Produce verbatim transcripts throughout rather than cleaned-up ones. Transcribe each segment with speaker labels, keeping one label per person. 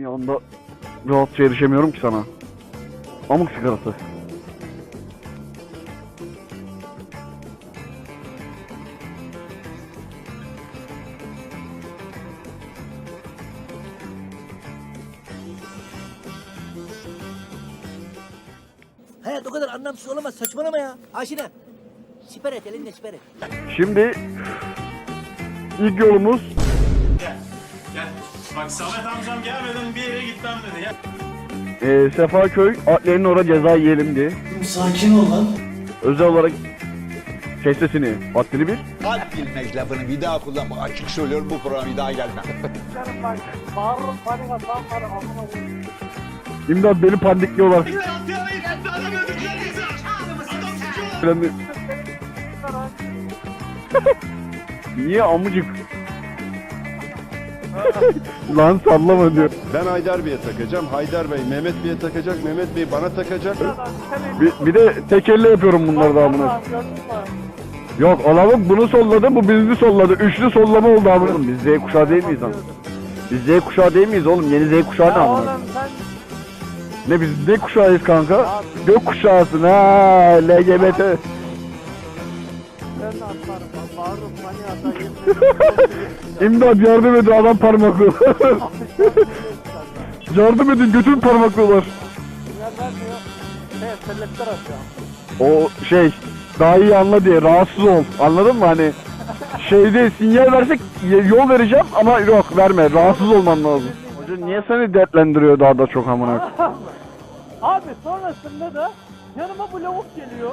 Speaker 1: Bir anda rahatça erişemiyorum ki sana. Amık sigarası.
Speaker 2: Hayat o kadar anlamsız olamaz, saçmalama ya. Aşina. Siper et, elinde siper et.
Speaker 1: Şimdi ilk yolumuz
Speaker 3: Gel. Gel. Bak Samet amcam gelmeden bir yere gitmem dedi. Gel.
Speaker 1: e, Sefaköy Adliye'nin orada ceza yiyelim diye.
Speaker 2: Sakin ol lan.
Speaker 1: Özel olarak kes sesini. Haddini bil.
Speaker 4: Had bilmek lafını bir daha kullanma. Açık söylüyorum, bu programa bir daha gelmem.
Speaker 5: Bağırırım, panik atam var, amına koyayım.
Speaker 1: İmdat beni pandikliyorlar. Ben de- Niye amıcık? Lan sallama diyor.
Speaker 6: Ben Haydar Bey'e takacağım. Haydar Bey Mehmet Bey'e takacak. Mehmet Bey bana takacak.
Speaker 1: Bir, bir de tek elle yapıyorum bunları da amına. Yok olalım bunu solladı bu bizi solladı. Üçlü sollama oldu amına. Biz Z kuşağı değil miyiz lan? Biz Z kuşağı değil miyiz oğlum? Yeni Z kuşağı ne
Speaker 5: Ya
Speaker 1: amına?
Speaker 5: oğlum sen
Speaker 1: Ne biz ne kuşağıyız kanka? Gök kuşağısın ha L G B T.
Speaker 5: sen de atlarım lan. Bağırırım, panik atayım.
Speaker 1: İmdat yardım edin adam parmaklı. Yardım edin götün parmaklıyorlar.
Speaker 5: Sinyal vermiyor. Evet, selektör atıyor.
Speaker 1: O şey daha iyi anla diye rahatsız ol. Anladın mı hani? Şeyde sinyal versek yol vereceğim ama yok verme. Rahatsız olman lazım. Hoca niye seni dertlendiriyor daha da çok amına?
Speaker 5: Abi sonrasında da yanıma bu lavuk geliyor.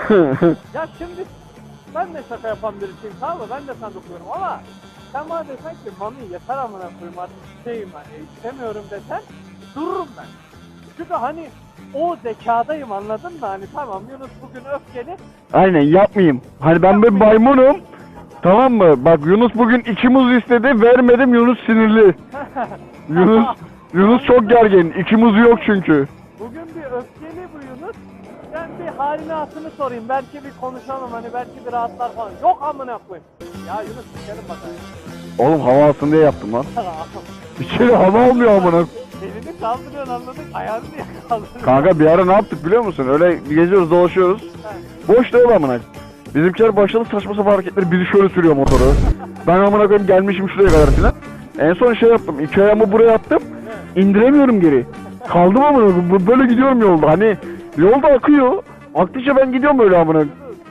Speaker 5: Ya şimdi ben de şaka yapan birisiyim, tamam mı? Ben de sandık okuyorum ama sen bana desen ki mami yeter amına koyayım artık şeyim hani istemiyorum desen dururum ben. Çünkü hani o zekadayım, anladın mı? Hani tamam Yunus bugün öfkeli.
Speaker 1: Aynen yapmayayım. Hani ben bir maymunum. Tamam mı? Bak Yunus bugün iki muz istedi. Vermedim Yunus sinirli. Yunus Yunus çok gergin. İki muzu yok çünkü.
Speaker 5: Bugün bir öfkeli bu Yunus. Ben bir halini hatırını sorayım. Belki bir konuşalım hani belki bir rahatlar falan. Yok amına koyayım. Ya Yunus sikerim bakayım.
Speaker 1: Oğlum hava alsın diye yaptım lan. Bir kere hava almıyor amına.
Speaker 5: Elini kaldırıyorsun, anladın? Ayağını niye kaldırıyorsun?
Speaker 1: Kanka bir ara ne yaptık biliyor musun? Öyle geziyoruz dolaşıyoruz. Boş değil amına. Bizimkiler başladı saçma sapan hareketleri. Biri şöyle sürüyor motoru. Ben amına koyayım gelmişim şuraya kadar filan. En son şey yaptım. İki ayağımı buraya attım. İndiremiyorum geri. Kaldım amına koyayım. Böyle gidiyorum yolda. Hani yolda akıyor. Aktıkça ben gidiyorum öyle amına.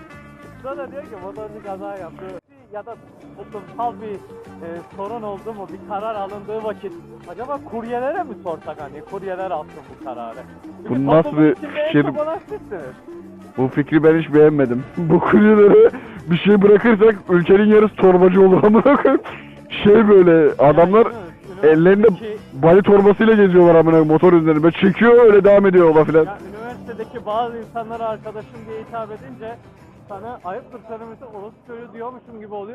Speaker 5: Sonra diyor ki motorcu kaza yaptı. Ya da toplumsal bir e, sorun oldu mu, bir karar alındığı vakit acaba kuryelere mi sorsak, hani kuryeler alsın bu kararı? Çünkü
Speaker 1: Bu nasıl
Speaker 5: toplumun
Speaker 1: bir
Speaker 5: içinde en
Speaker 1: fikir?
Speaker 5: çok olan sizsiniz.
Speaker 1: Bu fikri ben hiç beğenmedim. Bu kuryelere bir şey bırakırsak ülkenin yarısı torbacı olur amına koyayım. Şey böyle adamlar
Speaker 5: Yani, Yunus,
Speaker 1: ellerinde
Speaker 5: üniversitedeki-
Speaker 1: bali torbasıyla geziyorlar amına motor üzerine. Böyle çekiyor öyle devam ediyor yola filan.
Speaker 5: Ya üniversitedeki bazı insanlara arkadaşım diye hitap edince sana ayıptır söylemesi orası çocuğu diyormuşum gibi oluyor.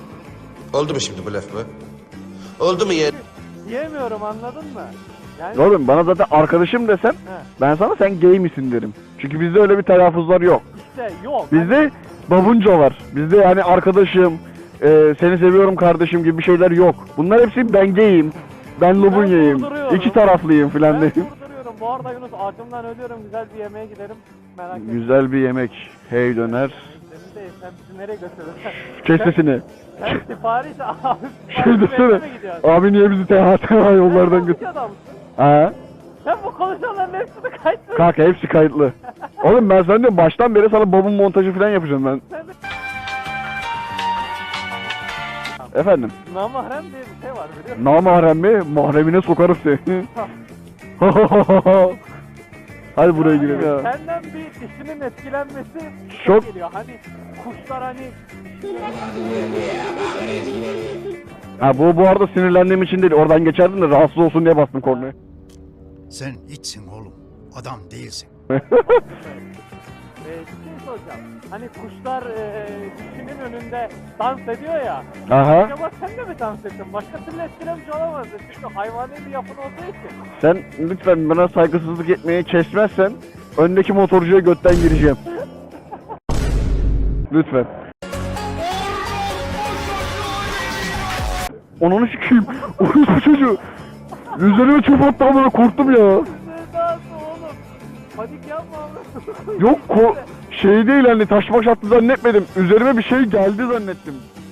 Speaker 7: Oldu mu şimdi bu laf mı? Oldu mu ya?
Speaker 5: Diyemiyorum, anladın mı? Yani
Speaker 1: Oğlum bana zaten arkadaşım desen ben sana sen gay misin derim. Çünkü bizde öyle bir telaffuzlar yok.
Speaker 5: işte yok.
Speaker 1: Bizde babunca var. Bizde yani arkadaşım, e, seni seviyorum kardeşim gibi bir şeyler yok. Bunlar hepsi ben gayim, ben lubunyayım,
Speaker 5: durduruyorum.
Speaker 1: iki taraflıyım filan
Speaker 5: Ben
Speaker 1: diye.
Speaker 5: durduruyorum. Bu arada Yunus acımdan ölüyorum. Güzel bir yemeğe gidelim. Merak etme.
Speaker 1: Güzel bir yemek. Hey döner.
Speaker 5: Senin de sen bizi nereye götürüyorsun?
Speaker 1: Kes sesini.
Speaker 5: Sen sipariş abi.
Speaker 1: Şey
Speaker 5: sipariş
Speaker 1: desene.
Speaker 5: vermeye mi gidiyorsun?
Speaker 1: Abi niye bizi T H T yollardan
Speaker 5: Sen
Speaker 1: götür?
Speaker 5: bir adamsın.
Speaker 1: Ha?
Speaker 5: Sen bu konuşanların hepsini kaçtın.
Speaker 1: Kanka hepsi kayıtlı. Oğlum ben sana diyorum baştan beri sana babun montajı falan yapacağım ben.
Speaker 5: Sen de
Speaker 1: Efendim?
Speaker 5: namahrem diye bir şey var biliyor musun?
Speaker 1: Namahrem mi? Mahremine sokarım seni. Hadi buraya girelim ya.
Speaker 5: Senden bir dişinin etkilenmesi
Speaker 1: Çok-
Speaker 5: geliyor. Hani kuşlar hani
Speaker 1: Ha bu bu arada sinirlendiğim için değil. Oradan geçerdim de rahatsız olsun diye bastım kornaya.
Speaker 8: Sen içsin oğlum. Adam değilsin.
Speaker 5: e, bir şey soracağım. Hani kuşlar e, dişinin önünde dans ediyor ya.
Speaker 1: Aha.
Speaker 5: Acaba sen de mi dans ettin? Başka türlü etkilemiş olamazdı. Çünkü hayvani bir yapın olduğu için.
Speaker 1: Sen lütfen bana saygısızlık etmeyi kesmezsen öndeki motorcuya götten gireceğim. Lütfen. Onu sikeyim. Orospu çocuğu. Üzerime çöp attı amına korktum ya.
Speaker 5: Sevdası oğlum. Panik yapma abi.
Speaker 1: Yok ko şey değil hani taş maş attı zannetmedim. Üzerime bir şey geldi zannettim.